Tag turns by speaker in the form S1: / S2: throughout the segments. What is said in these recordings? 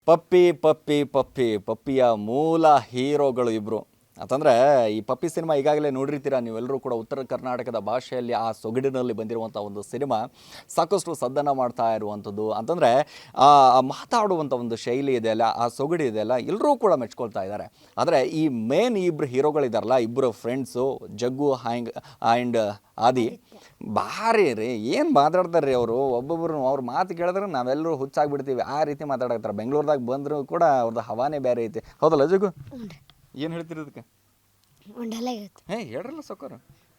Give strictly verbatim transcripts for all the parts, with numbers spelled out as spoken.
S1: ಪಪ್ಪಿ ಪಪ್ಪಿ ಪಪ್ಪಿ ಪಪ್ಪಿಯ ಮೂಲ ಹೀರೋಗಳು ಇಬ್ಬರು ಅಂತಂದರೆ ಈ ಪಪ್ಪಿ ಸಿನಿಮಾ ಈಗಾಗಲೇ ನೋಡಿರ್ತೀರ ನೀವೆಲ್ಲರೂ ಕೂಡ. ಉತ್ತರ ಕರ್ನಾಟಕದ ಭಾಷೆಯಲ್ಲಿ ಆ ಸೊಗಡಿನಲ್ಲಿ ಬಂದಿರುವಂಥ ಒಂದು ಸಿನಿಮಾ ಸಾಕಷ್ಟು ಸದ್ದನ್ನು ಮಾಡ್ತಾ ಇರುವಂಥದ್ದು. ಅಂತಂದರೆ ಆ ಮಾತಾಡುವಂಥ ಒಂದು ಶೈಲಿ ಇದೆಯಲ್ಲ, ಆ ಸೊಗಡಿ ಇದೆಯಲ್ಲ, ಎಲ್ಲರೂ ಕೂಡ ಮೆಚ್ಕೊಳ್ತಾ ಇದ್ದಾರೆ. ಆದರೆ ಈ ಮೇನ್ ಇಬ್ಬರು ಹೀರೋಗಳಿದಾರಲ್ಲ, ಇಬ್ಬರು ಫ್ರೆಂಡ್ಸು ಜಗ್ಗು ಹ್ಯಾಂಗ್ ಆ್ಯಂಡ್ ಆದಿ, ಭಾರಿ ರೀ. ಏನು ಮಾತಾಡ್ತಾರೆ ರೀ ಅವರು. ಒಬ್ಬೊಬ್ಬರು ಅವ್ರ ಮಾತು ಕೇಳಿದ್ರೆ ನಾವೆಲ್ಲರೂ ಹುಚ್ಚಾಗ್ಬಿಡ್ತೀವಿ, ಆ ರೀತಿ ಮಾತಾಡಕ್ತಾರೆ. ಬೆಂಗಳೂರದಾಗ ಬಂದರೂ ಕೂಡ ಅವ್ರದ್ದು ಹವಾನೇ ಬೇರೆ ಐತಿ. ಹೌದಲ್ಲ ಜಗ್ಗು? ಏನು ಹೇಳ್ತೀರಿ ಅದಕ್ಕೆ? ಹೇ ಹೇಳ್ರಲ್ಲ ಸೊಕ್ಕರು.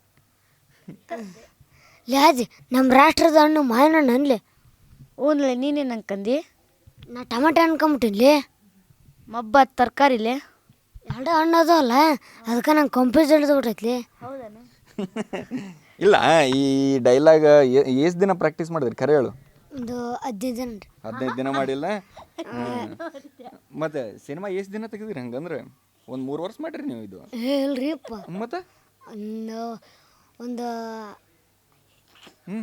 S2: ಲಾಜಿ ನಮ್ಮ ರಾಷ್ಟ್ರದ ಹಣ್ಣು ಮಾವಿನ ಹಣ್ಣು ಅನ್ಲಿ.
S3: ಹ್ಞೂ ನೀನೇನು ಅನ್ಕಂದು?
S2: ನಾ ಟಮಾಟೆ ಅನ್ಕೊಂಬಿಟ್ಟಿನ್ಲಿ.
S3: ಮಬ್ಬ ತರಕಾರಿಲೆ
S2: ಎರಡು ಹಣ್ಣು ಅದಲ್ಲ, ಅದಕ್ಕೆ ನಂಗೆ ಕಂಪ್ಯೂಸ್ ಹಿಡಿದು ಬಿಟ್ಟೈತ್ಲಿ.
S3: ಹೌದಾನೆ?
S1: ಇಲ್ಲ, ಈ ಡೈಲಾಗ್ ಎಷ್ಟು ದಿನ ಪ್ರಾಕ್ಟೀಸ್ ಮಾಡಿದ್ರಿ ಖರೆ ಹೇಳು?
S2: ಒಂದು ಹದಿನೈದು ಜನ ರೀ.
S1: ಹದಿನೈದು ದಿನ ಮಾಡಿಲ್ಲ. ಮತ್ತೆ ಸಿನಿಮಾ ಎಷ್ಟು ದಿನ ತೆಗೆದಿರಿ ಹಂಗಂದ್ರೆ? ಒಂದು ಮೂರು ವರ್ಷ ಮಾಡ್ರಿ ನೀವು ಇದು?
S2: ಇಲ್ರಿ ಅಪ್ಪ,
S1: ಮತ್ತೆ
S2: ಒಂದು ಒಂದು
S1: ಹ್ಞೂ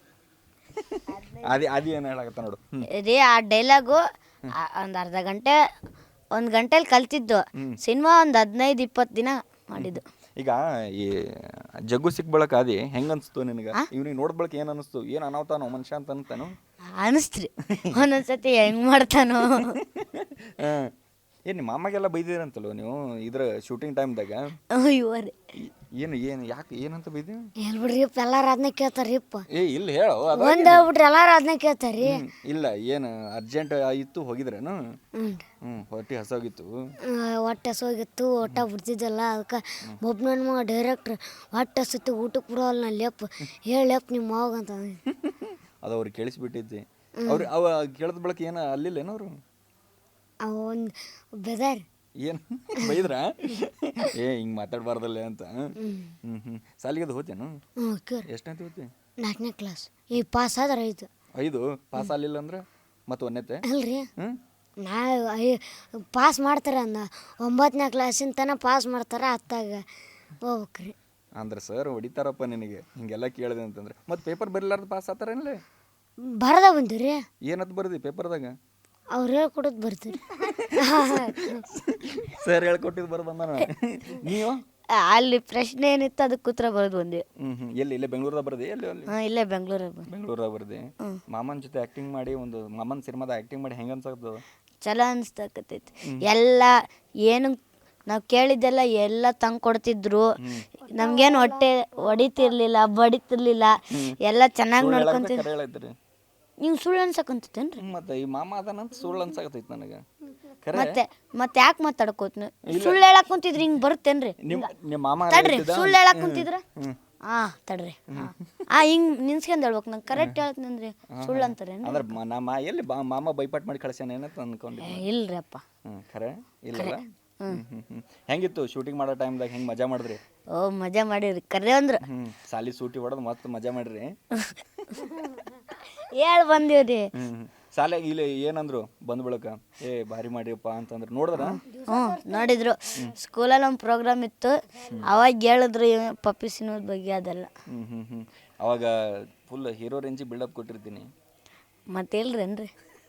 S1: ಅದೇ ಅದೇ ಏನು ಹೇಳಕತ್ತ ನೋಡು.
S3: ರೀ ಆ ಡೈಲಾಗು ಒಂದು ಅರ್ಧ ಗಂಟೆ ಒಂದು ಗಂಟೆಲಿ ಕಲ್ತಿದ್ದು. ಸಿನಿಮಾ ಒಂದು ಹದಿನೈದು ಇಪ್ಪತ್ತು ದಿನ ಮಾಡಿದ್ದು.
S1: ಈಗ ಈ ಜಗ್ಗು ಸಿಕ್ ಬಳಕ ಅದಿ ಹೆಂಗೆ ಅನಿಸ್ತು ನಿನಗೆ? ಇವ್ನಿಗೆ ನೋಡ್ ಬಳಕ ಏನು ಅನಿಸ್ತು? ಏನು ಅನಾವ್ತಾನೋ ಮನುಷ್ಯ ಅಂತ ಅನ್ತಾನು
S3: ಅನಿಸ್ತ್ರಿ ಒಂದೊಂದ್ಸತಿ ಹೆಂಗೆ ಮಾಡ್ತಾನೋ.
S1: ಹಾಂ, ಏನು ನಿಮ್ಮ ಮಾಮಾಗೆಲ್ಲ ಬೈದಿರಂತಲ್ವ ನೀವು ಇದ್ರ ಶೂಟಿಂಗ್ ಟೈಮ್ದಾಗ?
S3: ಇವ್ರಿ
S1: ಏನು ಏನು ಯಾಕೆ ಏನಂತ ಬೈದಿ?
S2: ಎಲ್ ಬಿಡ್ರಿ ಅಪ್ಪ, ಎಲ್ಲಾರು ಅದನ್ನ ಕೇಳ್ತಾರ್ರಿ ಅಪ್ಪ.
S1: ಏ ಇಲ್ಲ ಹೇಳು.
S2: ಒಂದು ಹೇಳ್ಬಿಟ್ರಿ ಎಲ್ಲಾರು ಅದನ್ನ ಕೇಳ್ತಾರ್ರಿ.
S1: ಇಲ್ಲ, ಏನು ಅರ್ಜೆಂಟ್ ಇತ್ತು ಹೋಗಿದ್ರೇನು?
S2: ಹ್ಞೂ
S1: ಹ್ಞೂ ಹೊಟ್ಟೆ ಹಸೋಗಿತ್ತು.
S2: ಹೊಟ್ಟೆ ಹಸೋಗಿತ್ತು, ಊಟ ಬಿಡ್ತಿದ್ದಲ್ಲ. ಅದಕ್ಕೆ ಒಬ್ಬ ನನ್ನ ಮಗ ಡೈರೆಕ್ಟ್ರ್ ಹೊಟ್ಟೆ ಹಸುತ್ತೆ ಊಟಕ್ಕೆ ಬಿಡೋಲ್ಲ ನಾ ಲೇಪ್ ಹೇಳಪ್ಪ ನಿಮ್ಮ ಮಾವಾಗ ಅಂತ.
S1: ಅದು ಅವ್ರಿಗೆ ಕೇಳಿಸ್ಬಿಟ್ಟಿದ್ದೆ. ಅವ್ರು ಅವ ಕೇಳಿದ ಬಳಕ ಏನು ಅಲ್ಲಿಲ್ಲೇನು ಅವರು?
S2: ಅವ ಒಂದು ಬೆದಾರಿ
S1: ಏನು ಬೈದ್ರ? ಏ ಹಿಂಗೆ ಮಾತಾಡಬಾರ್ದಲ್ಲ ಅಂತ. ಹ್ಞೂ ಹ್ಞೂ ಸಾಲಿಗೆ ಅದು ಹೋತೇನು?
S2: ಹ್ಞೂ ಕೇಳಿ.
S1: ಎಷ್ಟಂತ ಹೋತಿ?
S2: ನಾಲ್ಕನೇ ಕ್ಲಾಸ್. ಈ ಪಾಸ್ ಆದ್ರೆ ಐದು.
S1: ಐದು ಪಾಸ್ ಆಗಲಿಲ್ಲ ಅಂದ್ರೆ ಮತ್ತೆ ಒಂದನೇತೆ?
S2: ಅಲ್ರಿ,
S1: ಹ್ಞೂ
S2: ನಾ ಐ ಪಾಸ್ ಮಾಡ್ತಾರೆ ಅಂದ ಒಂಬತ್ತನೇ ಕ್ಲಾಸಿನ ತನಕ ಪಾಸ್ ಮಾಡ್ತಾರೆ. ಹತ್ತಾಗ ಹೋಗ್ಬೇಕ್ರಿ.
S1: ಅಂದ್ರೆ ಸರ್ ಹೊಡಿತಾರಪ್ಪ ನಿನಗೆ ಹಿಂಗೆಲ್ಲ ಕೇಳಿದೆ ಅಂತಂದ್ರೆ. ಮತ್ತು ಪೇಪರ್ ಬರಲಾರ್ದು ಪಾಸ್ ಆತಾರೇನಲ್ಲ?
S2: ಬರದ ಬಂದಿರಿ.
S1: ಏನಂತ ಬರ್ದಿ ಪೇಪರ್ದಾಗ?
S2: ಅವ್ರು ಹೇಳ್ಕೊಡೋದು ಬರ್ತೀರಿ.
S1: ಸರ್ ಹೇಳ್ಕೊಟ್ಟಿದ್ದು ಬರೋದು ಬಂದಾನ. ನೀವು
S3: ಅಲ್ಲಿ ಪ್ರಶ್ನೆ ಏನಿತ್ತು ಅದಕ್ಕೆ ಉತ್ತರ ಬರೋದು ಒಂದೇ.
S1: ಹ್ಞೂ ಹ್ಞೂ ಎಲ್ಲಿ ಇಲ್ಲೇ ಬೆಂಗಳೂರದಾಗ ಬರ್ದೆ? ಎಲ್ಲಿ ಅಲ್ಲಿ?
S3: ಹಾಂ, ಇಲ್ಲೇ ಬೆಂಗಳೂರಲ್ಲಿ.
S1: ಬೆಂಗಳೂರಾಗ ಬರ್ದೆ. ಮಾಮನ ಜೊತೆ ಆ್ಯಕ್ಟಿಂಗ್ ಮಾಡಿ ಒಂದು ಮಾಮನ ಸಿನಿಮಾದ ಆ್ಯಕ್ಟಿಂಗ್ ಮಾಡಿ ಹೆಂಗೆ ಅನ್ಸಕ್ತದ?
S3: ಚಲೋ ಅನಿಸ್ತಕತ್ತೈತಿ. ಎಲ್ಲ ಏನು ನಾವು ಕೇಳಿದ್ದೆಲ್ಲ ಎಲ್ಲ ತಂದು ಕೊಡ್ತಿದ್ರು. ನಮ್ಗೇನು ಹೊಟ್ಟೆ ಹೊಡಿತಿರ್ಲಿಲ್ಲ, ಬಡಿತಿರ್ಲಿಲ್ಲ. ಎಲ್ಲ ಚೆನ್ನಾಗಿ ನೋಡ್ಕೊಂತಿದ್ರು.
S1: ಕರೆ ಹೇಳೈತ್ರಿ
S3: ನೀವು ಸುಳ್ಳು ಅನ್ಸಕಂತೇನ್ರಿ?
S1: ಮತ್ತೆ ಈ ಮಾಮ ಅದಾನಂತ ಸುಳ್ಳು ಅನ್ಸಕತ್ತೈತಿ ನನಗೆ.
S3: ಮತ್ತೆ ಮತ್ತೆ ಯಾಕೆ ಮಾತಾಡ್ಕೋತ ಸುಳ್ಳು ಹೇಳಕ್ ಕುಂತಿದ್ರಿ? ಹಿಂಗೆ ಬರುತ್ತೇನ್ರಿ?
S1: ನಿಮ್ಮ ನಿಮ್ಮ ಮಾಮ
S3: ತಡ್ರಿ, ಸುಳ್ಳು ಹೇಳಕ್ ಕುಂತಿದ್ರ? ಹಾ ತಡ್ರಿ. ಆ ಹಿಂಗ್ ನಿನ್ಸ್ಕೊಂಡ್ ಹೇಳ್ಬೇಕು. ನಂಗೆ ಕರೆಕ್ಟ್ ಹೇಳ್ತೀನಂದ್ರಿ ಸುಳ್ಳು ಅಂತಾರೇನು?
S1: ಅಂದ್ರೆ ನಮ್ಮ ಎಲ್ಲಿ ಬಾ ಮಾಮ ಬೈಪಾಟ್ ಮಾಡಿ ಕಳ್ಸ್ಯಾನ ಏನಂತ ಅನ್ಕೊಂಡೆ.
S3: ಇಲ್ರಿ ಅಪ್ಪ.
S1: ಹ್ಞೂ ಖರೆ ಇಲ್ಲಲ್ಲ. ಹ್ಞೂ ಹ್ಞೂ ಹ್ಞೂ ಹೆಂಗಿತ್ತು ಶೂಟಿಂಗ್ ಮಾಡೋ ಟೈಮ್ದಾಗ? ಹೆಂಗೆ ಮಜಾ ಮಾಡಿದ್ರಿ?
S3: ಓ ಮಜಾ ಮಾಡಿರಿ ಕರೆ ಅಂದ್ರ.
S1: ಹ್ಞೂ ಸಾಲಿ ಸೂಟಿ ಹೊಡೆದು ಮತ್ತೆ ಮಜಾ ಮಾಡಿರಿ?
S3: ಹೇಳ್ ಬಂದೀವ್ರಿ.
S1: ಹ್ಞೂ ಸಾಲಿಯಾಗ ಇಲ್ಲಿ ಏನಂದ್ರು ಬಂದ್ ಬಳಕ? ಏ ಭಾರಿ ಮಾಡಿಯಪ್ಪ ಅಂತಂದ್ರೆ ನೋಡಿದ್ರ?
S3: ಹ್ಞೂ ನೋಡಿದ್ರು. ಸ್ಕೂಲಲ್ಲಿ ಒಂದು ಪ್ರೋಗ್ರಾಮ್ ಇತ್ತು, ಅವಾಗ ಹೇಳಿದ್ರು ಪಪ್ಪಿ ಸಿನಿಮಾದ ಬಗ್ಗೆ ಅದೆಲ್ಲ.
S1: ಹ್ಞೂ ಹ್ಞೂ ಹ್ಞೂ ಅವಾಗ ಫುಲ್ ಹೀರೋ ರೇಂಜಿಗೆ ಬಿಲ್ಡಪ್ ಕೊಟ್ಟಿರ್ತೀನಿ.
S3: ಮತ್ತೆ ಇಲ್ರೇನ್ರಿ?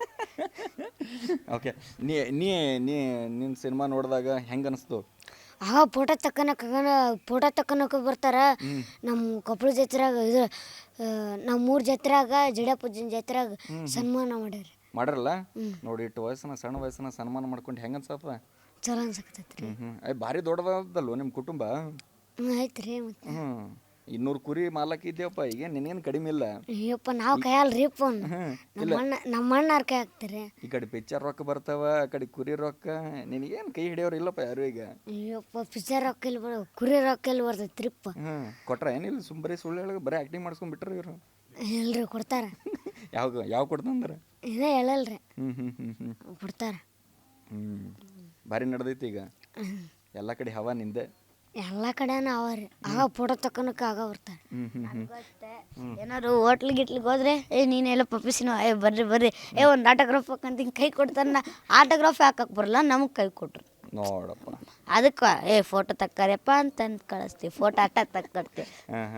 S1: ಓಕೆ, ನೀ ನೀ ನೀ ನಿನ್ನ ಸಿನಿಮಾ ನೋಡಿದಾಗ ಹೆಂಗೆ ಅನಿಸ್ತು?
S2: ಆಗ ಫೋಟೋ ತಕ್ಕನಕ ಫೋಟೋ ತಕ್ಕನಕ ಬರ್ತಾರ. ನಮ್ಮ ಕೊಪ್ಪಳ ಜಾತ್ರೆಯಾಗ ಇದು ನಮ್ಮ ಮೂರು ಜಾತ್ರೆಯಾಗ ಜಡಿಯಪ್ಪಜ್ಜನ ಜಾತ್ರೆಯಾಗ ಸನ್ಮಾನ ಮಾಡ್ಯಾರ.
S1: ಮಾಡ್ರಲ್ಲ ನೋಡಿ, ಇಟ್ಟು ವಯಸ್ಸನ ಸಣ್ಣ ವಯಸ್ಸನ ಸನ್ಮಾನ ಮಾಡ್ಕೊಂಡು ಹೆಂಗೆ ಅನ್ಸತ್ತ?
S2: ಚಲೋ ಅನ್ಸಕತ್ತೈತ್ರಿ.
S1: ಹ್ಞೂ ಹ್ಞೂ ಅಯ್ಯ ಭಾರಿ ದೊಡ್ಡದಲ್ವ ನಿಮ್ಮ ಕುಟುಂಬ?
S2: ಹ್ಞೂ ಆಯ್ತು ರೀ. ಮತ್ತೆ
S1: ಹ್ಞೂ ಇನ್ನೂರು ಕುರಿ ಮಾಲಕ್ ಇದೆಯಪ್ಪ, ಈಗ ನಿನೇನು ಕಡಿಮೆ ಇಲ್ಲ.
S2: ಅಯ್ಯಪ್ಪ ನಾವು ಕೈಯಲ್ರಿ ಅಪ್ಪ. ನಮ್ಮ ಅಣ್ಣ ನಮ್ಮ ಅಣ್ಣಾರ ಕೈ ಹಾಕ್ತಾರೆ.
S1: ಈ ಕಡೆ ಪಿಕ್ಚರ್ ರೊಕ್ಕ ಬರ್ತಾವ, ಆ ಕಡೆ ಕುರಿ ರೊಕ್ಕ. ನಿನಗೇನು ಕೈ ಹಿಡಿಯೋರು ಇಲ್ಲಪ್ಪ ಯಾರು ಈಗ?
S2: ಅಯ್ಯಪ್ಪ ಪಿಕ್ಚರ್ ರೊಕ್ಕ ಇಲ್ಲಿ ಬರ ಕುರಿ ರೊಕ್ಕ ಇಲ್ಲಿ ಬರ್ತೈತ್ರಿಪ್ಪ.
S1: ಹ್ಞೂ ಕೊಟ್ರ ಏನಿಲ್ಲ, ಸುಮ್ ಬರೀ ಸುಳ್ಳು ಹೇಳಿ ಬರೀ ಆ್ಯಕ್ಟಿಂಗ್ ಮಾಡಿಸ್ಕೊಂಡ್ಬಿಟ್ರೆ ಇವರು?
S2: ಇಲ್ರಿ ಕೊಡ್ತಾರ.
S1: ಯಾವ ಯಾವ ಕೊಡ್ತಂದ್ರೆ?
S2: ಇದೇ ಹೇಳಲ್ರಿ.
S1: ಹ್ಞೂ ಹ್ಞೂ ಹ್ಞೂ ಹ್ಞೂ
S2: ಕೊಡ್ತಾರ.
S1: ಹ್ಞೂ ಭಾರಿ ನಡೆದೈತಿ ಈಗ ಎಲ್ಲ ಕಡೆ ಹವಾ ನಿಂದೆ.
S2: ಎಲ್ಲ ಕಡೆನೂ ಅವ ರೀ. ಆಗ ಫೋಟೋ ತಕ್ಕನಕ ಆಗ ಬರ್ತಾರೆ.
S1: ಹ್ಞೂ ಹ್ಞೂ ಹ್ಞೂ
S3: ಏನಾದ್ರು ಹೋಟ್ಲ್ ಗಿಟ್ಲಿಗೆ ಹೋದ್ರೆ ಏ ನೀನೆಲ್ಲ ಪಪ್ಪಿ ಸಿನಿಮಾ ಏ ಬರ್ರಿ ಬರ್ರಿ ಏ ಒಂದು ಆಟೋಗ್ರಾಫ್ ಹಾಕಂತ ಹಿಂಗೆ ಕೈ ಕೊಡ್ತಾರ. ಆಟೋಗ್ರಾಫ್ ಹಾಕಕ್ಕೆ ಬರಲ್ಲ, ನಮಗೆ ಕೈ ಕೊಟ್ರು
S1: ನೋಡಪ್ಪ.
S3: ಅದಕ್ಕೆ ಏ ಫೋಟೋ ತಕ್ಕಾರಪ್ಪ ಅಂತ ಕಳಿಸ್ತೀವಿ. ಫೋಟೋ ಅಟ್ಟ ತಕ್ಕೊಡ್ತೀವಿ.
S1: ಹಾಂ ಹಾಂ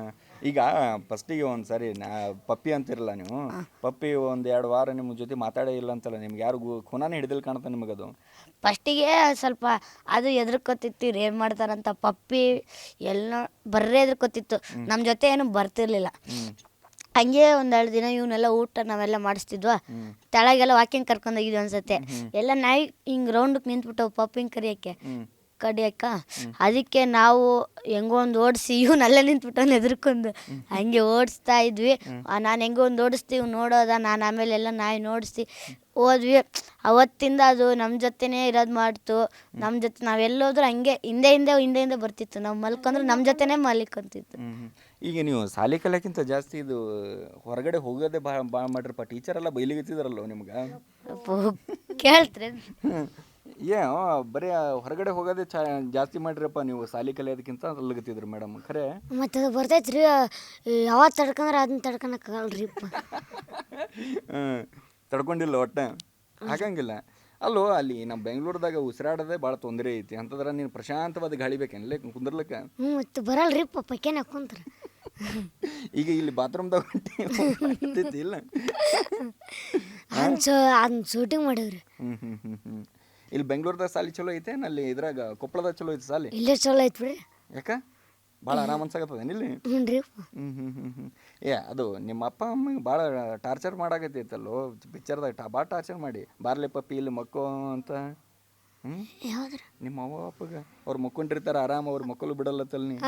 S1: ಈಗ ಫಸ್ಟಿಗೆ ಒಂದು ಸರಿ ನಾ ಪಪ್ಪಿ ಅಂತಿರಲ್ಲ ನೀವು, ಪಪ್ಪಿ ಒಂದು ಎರಡು ವಾರ ನಿಮ್ಮ ಜೊತೆ ಮಾತಾಡೇ ಇಲ್ಲ ಅಂತಲ್ಲ, ನಿಮ್ಗೆ ಯಾರು ಖುನಾನೇ ಹಿಡಿದಿಲ್ಲ ಕಾಣುತ್ತೆ ನಿಮಗದು.
S3: ಫಸ್ಟಿಗೆ ಸ್ವಲ್ಪ ಅದು ಎದ್ರಕೊತಿತ್ತು ಏನು ಮಾಡ್ತಾರಂತ, ಪಪ್ಪಿ ಎಲ್ಲ ಬರ್ರೇ ಎದ್ರಕೊತಿತ್ತು, ನಮ್ಮ ಜೊತೆ ಏನು ಬರ್ತಿರ್ಲಿಲ್ಲ. ಹಂಗೆ ಒಂದೆರಡು ದಿನ ಇವನ್ನೆಲ್ಲ ಊಟ ನಾವೆಲ್ಲ ಮಾಡಿಸ್ತಿದ್ವಾ, ತೆಳಗೆಲ್ಲ ವಾಕಿಂಗ್ ಕರ್ಕೊಂಡೋಗಿದ್ವಿ ಅನ್ಸತ್ತೆ. ಎಲ್ಲ ನಾಯಿ ಹಿಂಗೆ ರೌಂಡಕ್ಕೆ ನಿಂತ್ಬಿಟ್ಟವು ಪಪ್ಪಿಂಗ್ ಕರಿಯೋಕ್ಕೆ ಕಡಿಯಕ್ಕ. ಅದಕ್ಕೆ ನಾವು ಹೆಂಗೋ ಒಂದು ಓಡಿಸಿ ಇವನಲ್ಲೇ ನಿಂತ್ಬಿಟ್ಟು ಎದ್ರಕೊಂಡು ಹಂಗೆ ಓಡಿಸ್ತಾ ಇದ್ವಿ. ನಾನು ಹೆಂಗೋ ಒಂದು ಓಡಿಸ್ತೀವಿ ನೋಡೋದ, ನಾನು ಆಮೇಲೆ ಎಲ್ಲ ನಾಯಿ ನೋಡಿಸಿ ಹೋದ್ವಿ. ಅವತ್ತಿಂದ ಅದು ನಮ್ಮ ಜೊತೆನೇ ಇರೋದು ಮಾಡ್ತು. ನಮ್ಮ ಜೊತೆ ನಾವೆಲ್ಲೋದ್ರೂ ಹಂಗೆ ಹಿಂದೆ ಹಿಂದೆ ಹಿಂದೆ ಹಿಂದೆ ಬರ್ತಿತ್ತು. ನಾವು ಮಲ್ಕೊಂಡ್ರೆ ನಮ್ಮ ಜೊತೆನೇ ಮಲ್ಕೊಂತಿತ್ತು.
S1: ಈಗ ನೀವು ಶಾಲೆ ಕಲಿಯಕ್ಕಿಂತ ಜಾಸ್ತಿ ಇದು ಹೊರಗಡೆ ಹೋಗೋದೇ ಭಾಳ ಭಾಳ ಮಾಡಿರಪ್ಪ. ಟೀಚರ್ ಎಲ್ಲ ಬೈಲಿಗತ್ತಿದ್ರಲ್ಲ ನಿಮ್ಗೆ.
S3: ಕೇಳ್ತ್ರಿ
S1: ಏ ಬರೀ ಹೊರಗಡೆ ಹೋಗೋದೇ ಚಾ ಜಾಸ್ತಿ ಮಾಡಿರಪ್ಪ ನೀವು ಶಾಲೆ ಕಲಿಯೋದಕ್ಕಿಂತ ಅಲ್ಲಗತ್ತಿದ್ರು ಮೇಡಮ್. ಖರೆ
S2: ಮತ್ತು ಅದು ಬರ್ತೈತೆ ರೀ, ಯಾವತ್ತು ತಡ್ಕೊಂಡ್ರೆ ಅದನ್ನ ತಡ್ಕೊಳಕ್ಕಾಗಲ್ರಿ.
S1: ಹ್ಞೂ ತಡ್ಕೊಂಡಿಲ್ಲ ಒಟ್ಟೆ ಹಾಗಂಗಿಲ್ಲ. ಅಲ್ಲೋ ಅಲ್ಲಿ ನಮ್ಮ ಬೆಂಗಳೂರದಾಗ ಉಸಿರಾಡೋದೇ ಭಾಳ ತೊಂದರೆ ಐತಿ. ಅಂತಂದ್ರೆ ನೀನು ಪ್ರಶಾಂತವಾದ ಗಾಳಿ ಬೇಕೇನಲ್ಲ ಕುಂದ್ರಲಿಕ್ಕೆ?
S2: ಹ್ಞೂ ಮತ್ತು ಬರಲ್ರಿ ಪಕ್ಕೇನ ಕುಂತ್ರ.
S1: ಈಗ ಇಲ್ಲಿ ಬಾತ್ರೂಮ್ದಾಗ ಹೊಂಟೈತಿ ಇಲ್ಲ
S2: ಅದನ್ನ ಸೊ ಅದನ್ನ ಶೂಟಿಂಗ್ ಮಾಡಿವ್ರಿ.
S1: ಹ್ಞೂ ಹ್ಞೂ ಹ್ಞೂ ಹ್ಞೂ ಇಲ್ಲಿ ಬೆಂಗಳೂರದಾಗ ಸಾಲಿ ಚಲೋ ಐತೆ, ಅಲ್ಲಿ ಇದ್ರಾಗ ಕೊಪ್ಪಳದಾಗ ಚಲೋ ಐತೆ ಸಾಲಿ?
S2: ಇಲ್ಲೇ ಚಲೋ ಐತೆ ಬಿಡ್ರಿ.
S1: ಯಾಕೆ ಭಾಳ ಆರಾಮ ಅನ್ಸಾಕತ್ತದ ಇಲ್ಲಿ?
S2: ಹ್ಞೂ ರೀ.
S1: ಹ್ಞೂ ಹ್ಞೂ ಹ್ಞೂ ಹ್ಞೂ ಏ ಅದು ನಿಮ್ಮ ಅಪ್ಪ ಅಮ್ಮಗೆ ಭಾಳ ಟಾರ್ಚರ್ ಮಾಡಾಕತ್ತೈತಲ್ಲೋ ಪಿಕ್ಚರ್ದಾಗ. ಟಾ ಭಾಳ ಟಾರ್ಚರ್ ಮಾಡಿ ಬಾರ್ಲೆ ಪಪ್ಪಿ ಇಲ್ಲಿ ಮಕ್ಕೋ ಅಂತ. ಹ್ಞೂ
S2: ಯಾವ್ದ್ರ
S1: ನಿಮ್ಮ ಅವ್ವ ಅಪ್ಪಗೆ ಅವ್ರು ಮಕ್ಕೊಂಡಿರ್ತಾರೆ ಆರಾಮ, ಅವ್ರು ಮಕ್ಕಳು ಬಿಡಲ್ಲತ್ತಲ್ಲ ನೀ.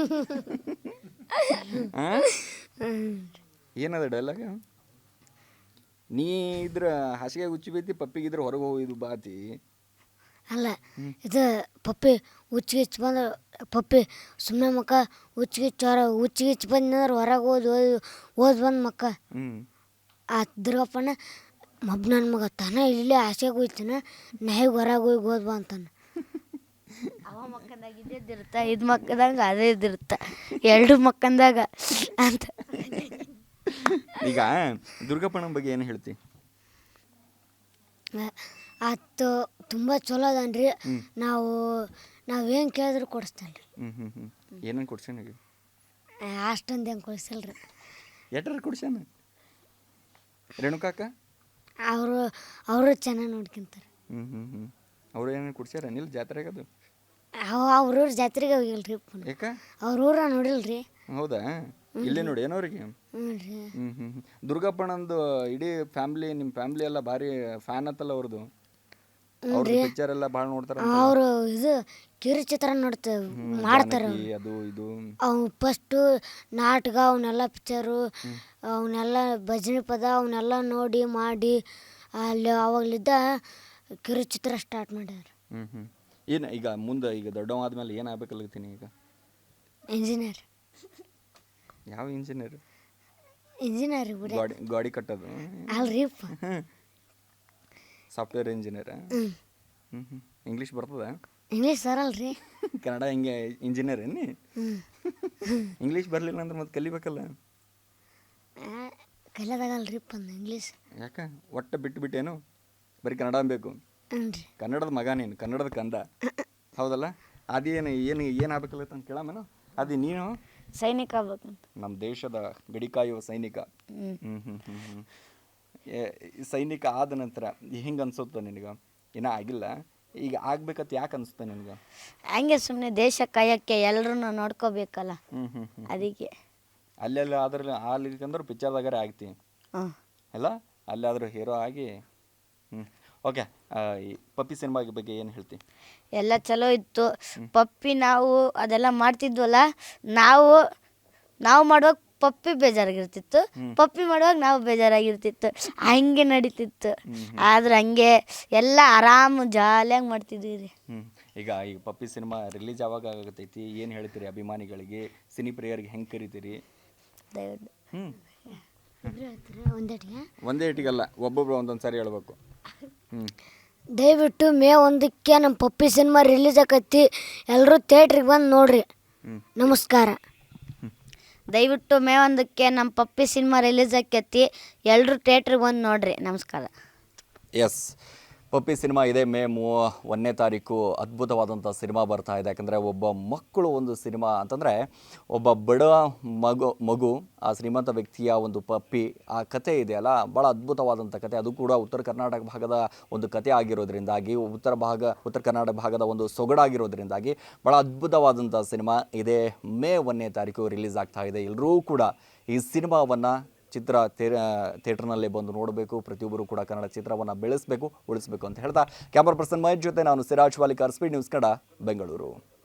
S1: ಹಾಂ ಏನದ ಡೈಲಾಗ? ನೀ ಇದ್ರ ಹಾಸಿಗೆ ಹುಚ್ಚಿ ಬೈತಿ, ಪಪ್ಪಿಗಿದ್ರೆ ಹೊರಗೆ ಹೋಗಿದ್ದು ಬಾತಿ
S2: ಅಲ್ಲ. ಇದು ಪಪ್ಪಿ ಹುಚ್ಚಿಗಿಚ್ಚು ಬಂದ್ರೆ ಪಪ್ಪಿ ಸುಮ್ಮನೆ ಮಕ್ಕ ಹುಚ್ಚಿಗಿಚ್ಚು ಹೊರ ಹುಚ್ಚಿಗಿಚ್ಚು ಬಂದ್ರೆ ಹೊರಗೆ ಓದಿ ಓದಿ ಓದ್ ಬಂದು ಮಕ್ಕ.
S1: ಹ್ಞೂ
S2: ಆ ದುರ್ಗಪ್ಪನ ಮಬ್ಬ ನನ್ನ ಮಗ ತಾನ ಇಲ್ಲೇ ಹಾಸಿಗೆ ಹೋಯ್ತಾನ, ನಾಯಿಗೆ ಹೊರಗೆ ಹೋಗಿ ಓದ್ ಬಾ ಅಂತಾನೆ.
S3: ಅವ ಮಕ್ಕಂದಾಗ ಇದ್ದಿರ್ತ, ಇದು ಮಕ್ಕದಾಗ ಅದೇ ಇದ್ದಿರ್ತ, ಎರಡು ಮಕ್ಕಂದಾಗ ಅಂತ.
S1: ಈಗ ದುರ್ಗಪ್ಪನ ಬಗ್ಗೆ ಏನು ಹೇಳ್ತಿ?
S2: ಆತು ತುಂಬ ಚಲೋ ಅದನ್ರಿ. ನಾವು ನಾವೇನು ಕೇಳಿದ್ರು ಕೊಡಿಸ್ತಾನೆ ರೀ.
S1: ಹ್ಞೂ ಹ್ಞೂ ಹ್ಞೂ ಏನೇನು ಕೊಡ್ಸ್ಯಾನ?
S2: ಅಷ್ಟೊಂದು ಹೆಂಗೆ ಕೊಡಿಸಲ್ರಿ.
S1: ಎಟ್ರ ಕೊಡ್ಸ್ಯಾನ? ರೇಣುಕಾಕ
S2: ಅವರು ಅವರು ಚೆನ್ನಾಗಿ ನೋಡ್ಕೊಂತಾರೆ.
S1: ಹ್ಞೂ ಹ್ಞೂ ಹ್ಞೂ ಅವ್ರು ಏನೇನು ಕೊಡ್ಸ್ಯಾರ ನಿಲ್ಲ ಜಾತ್ರೆಗದು?
S2: ಅವ ಅವ್ರ ಊರು ಜಾತ್ರೆಗೆ ಹೋಗಿಲ್ರಿ.
S1: ಯಾಕ?
S2: ಅವ್ರ ಊರ ನೋಡಿಲ್ರಿ.
S1: ಹೌದಾ? ಇಲ್ಲೇ ನೋಡಿ ಏನವ್ರಿಗೆ?
S2: ಹ್ಞೂ ರೀ.
S1: ಹ್ಞೂ ಹ್ಞೂ ಹ್ಞೂ ದುರ್ಗಪ್ಪನಂದು ಇಡೀ ಫ್ಯಾಮ್ಲಿ, ನಿಮ್ಮ ಫ್ಯಾಮ್ಲಿ ಎಲ್ಲ ಭಾರಿ ಫ್ಯಾನ್ ಆತಲ್ಲ ಅವ್ರದ್ದು. ಅವ್ರದ್ದು ಪಿಕ್ಚರ್ ಎಲ್ಲ ಭಾಳ ನೋಡ್ತಾರೆ.
S2: ಅವರು ಇದು ಕಿರುಚಿತ್ರ ನೋಡ್ತ ಮಾಡ್ತಾರೆ.
S1: ಅದು ಇದು
S2: ಅವು ಫಸ್ಟು ನಾಟಕ ಅವನ್ನೆಲ್ಲ ಪಿಕ್ಚರು ಅವನ್ನೆಲ್ಲ ಭಜನೆ ಪದ ಅವನ್ನೆಲ್ಲ ನೋಡಿ ಮಾಡಿ ಅಲ್ಲಿ ಅವಾಗಲಿದ್ದ ಕಿರುಚಿತ್ರ ಸ್ಟಾರ್ಟ್ ಮಾಡ್ಯಾರ.
S1: ಹ್ಞೂ ಹ್ಞೂ ಏನು ಈಗ ಮುಂದೆ ಈಗ ದೊಡ್ಡವ ಆದಮೇಲೆ ಏನು ಆಗ್ಬೇಕಲ್ತೀನಿ ಈಗ?
S2: ಇಂಜಿನಿಯರ್.
S1: ಯಾವ ಇಂಜಿನಿಯರ್?
S2: ಇಂಜಿನಿಯರ್ ಬಿಡ
S1: ಗಾಡಿ ಗಾಡಿ ಕಟ್ಟೋದು
S2: ಅಲ್ರಿ.
S1: Software engineer.
S2: ಹ್ಞೂ
S1: ಹ್ಞೂ ಹ್ಞೂ ಇಂಗ್ಲೀಷ್ ಬರ್ತದ?
S2: ಇಂಗ್ಲೀಷ್ ಬರಲ್ರಿ.
S1: ಕನ್ನಡ ಹಿಂಗೆ ಇಂಜಿನಿಯರ್ ಏನಿ?
S2: ಹ್ಞೂ
S1: ಇಂಗ್ಲೀಷ್ ಬರಲಿಲ್ಲ ಅಂದ್ರೆ ಮತ್ತೆ ಕಲಿಬೇಕಲ್ಲ?
S2: ಕಲಿಯೋದಾಗಲ್ರಿ ಅಂದ ಇಂಗ್ಲೀಷ್.
S1: ಯಾಕೆ ಒಟ್ಟು ಬಿಟ್ಟು ಬಿಟ್ಟೇನು? ಬರೀ ಕನ್ನಡ ಬೇಕು?
S2: ಹ್ಞೂ ರೀ.
S1: ಕನ್ನಡದ ಮಗ ನೀನು, ಕನ್ನಡದ ಕಂದ ಹೌದಲ್ಲ? ಅದೇನು ಏನು ಏನು ಆಗ್ಬೇಕಲ್ಲತ್ತ ಅಂತ ಕೇಳಮೇನು? ಅದು ನೀನು
S3: ಸೈನಿಕ ಆಗ್ಬೇಕಂತ.
S1: ನಮ್ಮ ದೇಶದ ಗಡಿ ಕಾಯುವ ಸೈನಿಕ. ಹ್ಞೂ ಹ್ಞೂ ಹ್ಞೂ ಹ್ಞೂ ಸೈನಿಕ ಆದ ನಂತರ ಹಿಂಗೆ ಅನ್ಸುತ್ತೆ ನಿನಗೆ? ಇನ್ನೂ ಆಗಿಲ್ಲ, ಈಗ ಆಗ್ಬೇಕಂತ ಯಾಕೆ ಅನಿಸುತ್ತೆ ನಿನಗೆ?
S3: ಹಂಗೆ ಸುಮ್ಮನೆ ದೇಶ ಕಾಯಕ್ಕೆ ಎಲ್ಲರೂ ನೋಡ್ಕೋಬೇಕಲ್ಲ,
S1: ಹ್ಞೂ ಹ್ಞೂ ಹ್ಞೂ
S3: ಅದಕ್ಕೆ.
S1: ಅಲ್ಲೆಲ್ಲ ಆದ್ರೆ ಆಗ್ಲಿಕ್ಕಂದ್ರೆ ಪಿಕ್ಚರ್ದಾಗಾರೆ ಆಗ್ತಿ
S3: ಹಾಂ
S1: ಅಲ್ಲ? ಅಲ್ಲಾದರೂ ಹೀರೋ ಆಗಿ. ಹ್ಞೂ ಓಕೆ. ಈ ಪಪ್ಪಿ ಸಿನಿಮಾ ಬಗ್ಗೆ ಏನು ಹೇಳ್ತಿ?
S3: ಎಲ್ಲ ಚಲೋ ಇತ್ತು. ಪಪ್ಪಿ ನಾವು ಅದೆಲ್ಲ ಮಾಡ್ತಿದ್ವಲ್ಲ, ನಾವು ನಾವು ಮಾಡುವಾಗ ಪಪ್ಪಿ ಬೇಜಾರಾಗಿರ್ತಿತ್ತು, ಪಪ್ಪಿ ಮಾಡುವಾಗ ನಾವು ಬೇಜಾರಾಗಿರ್ತಿತ್ತು, ಹಂಗೆ ನಡೀತಿತ್ತು. ಆದ್ರೆ ಹಂಗೆ ಎಲ್ಲ ಆರಾಮು ಜಾಲಿಯಾಗಿ ಮಾಡ್ತಿದ್ವಿ ರೀ.
S1: ಹ್ಞೂ ಈಗ ಈಗ ಪಪ್ಪಿ ಸಿನಿಮಾ ರಿಲೀಸ್ ಯಾವಾಗ ಆಗತೈತಿ? ಏನು ಹೇಳ್ತೀರಿ ಅಭಿಮಾನಿಗಳಿಗೆ, ಸಿನಿ ಪ್ರಿಯರಿಗೆ ಹೆಂಗೆ ಕರಿತೀರಿ?
S3: ದಯವಿಟ್ಟು
S1: ಹ್ಞೂ
S2: ಒಂದೇಟಿಗೆ
S1: ಒಂದೇ ಇಟ್ಟಿಗಲ್ಲ, ಒಬ್ಬೊಬ್ರು ಒಂದೊಂದು ಸಾರಿ ಹೇಳ್ಬೇಕು. ಹ್ಞೂ
S2: ದಯವಿಟ್ಟು ಮೇ ಒಂದಕ್ಕೆ ನಮ್ಮ ಪಪ್ಪಿ ಸಿನಿಮಾ ರಿಲೀಸ್ ಆಕೈತಿ, ಎಲ್ಲರೂ ಥಿಯೇಟ್ರಿಗೆ ಬಂದು ನೋಡ್ರಿ. ನಮಸ್ಕಾರ.
S3: ದಯವಿಟ್ಟು ಮೇ ಒಂದಕ್ಕೆ ನಮ್ಮ ಪಪ್ಪಿ ಸಿನಿಮಾ ರಿಲೀಸ್ ಆಕೈತಿ, ಎಲ್ಲರೂ ಥಿಯೇಟ್ರಿಗೆ ಬಂದು ನೋಡ್ರಿ. ನಮಸ್ಕಾರ.
S1: ಎಸ್ ಪಪ್ಪಿ ಸಿನಿಮಾ ಇದೇ ಮೇ ಮೂ ಒಂದನೇ ತಾರೀಕು ಅದ್ಭುತವಾದಂಥ ಸಿನಿಮಾ ಬರ್ತಾ ಇದೆ. ಯಾಕಂದರೆ ಒಬ್ಬ ಮಕ್ಕಳು ಒಂದು ಸಿನಿಮಾ ಅಂತಂದರೆ ಒಬ್ಬ ಬಡ ಮಗು ಮಗು ಆ ಶ್ರೀಮಂತ ವ್ಯಕ್ತಿಯ ಒಂದು ಪಪ್ಪಿ, ಆ ಕತೆ ಇದೆಯಲ್ಲ ಭಾಳ ಅದ್ಭುತವಾದಂಥ ಕತೆ. ಅದು ಕೂಡ ಉತ್ತರ ಕರ್ನಾಟಕ ಭಾಗದ ಒಂದು ಕತೆ ಆಗಿರೋದ್ರಿಂದಾಗಿ, ಉತ್ತರ ಭಾಗ ಉತ್ತರ ಕರ್ನಾಟಕ ಭಾಗದ ಒಂದು ಸೊಗಡಾಗಿರೋದ್ರಿಂದಾಗಿ ಭಾಳ ಅದ್ಭುತವಾದಂಥ ಸಿನಿಮಾ ಇದೇ ಮೇ ಒಂದನೇ ತಾರೀಕು ರಿಲೀಸ್ ಆಗ್ತಾ ಇದೆ. ಎಲ್ಲರೂ ಕೂಡ ಈ ಸಿನಿಮಾವನ್ನು ಚಿತ್ರ ಥೇ ಥಿಯೇಟರ್ನಲ್ಲೇ ಬಂದು ನೋಡಬೇಕು. ಪ್ರತಿಯೊಬ್ಬರು ಕೂಡ ಕನ್ನಡ ಚಿತ್ರವನ್ನು ಬೆಳೆಸಬೇಕು, ಉಳಿಸಬೇಕು ಅಂತ ಹೇಳ್ತಾ ಕ್ಯಾಮರಾ ಪರ್ಸನ್ ಮಹೇಶ್ ಜೊತೆ ನಾನು ಸಿರಾಜ್ ವಾಲಿಕಾರ್, ಸ್ಪೀಡ್ ನ್ಯೂಸ್ ಕನ್ನಡ, ಬೆಂಗಳೂರು.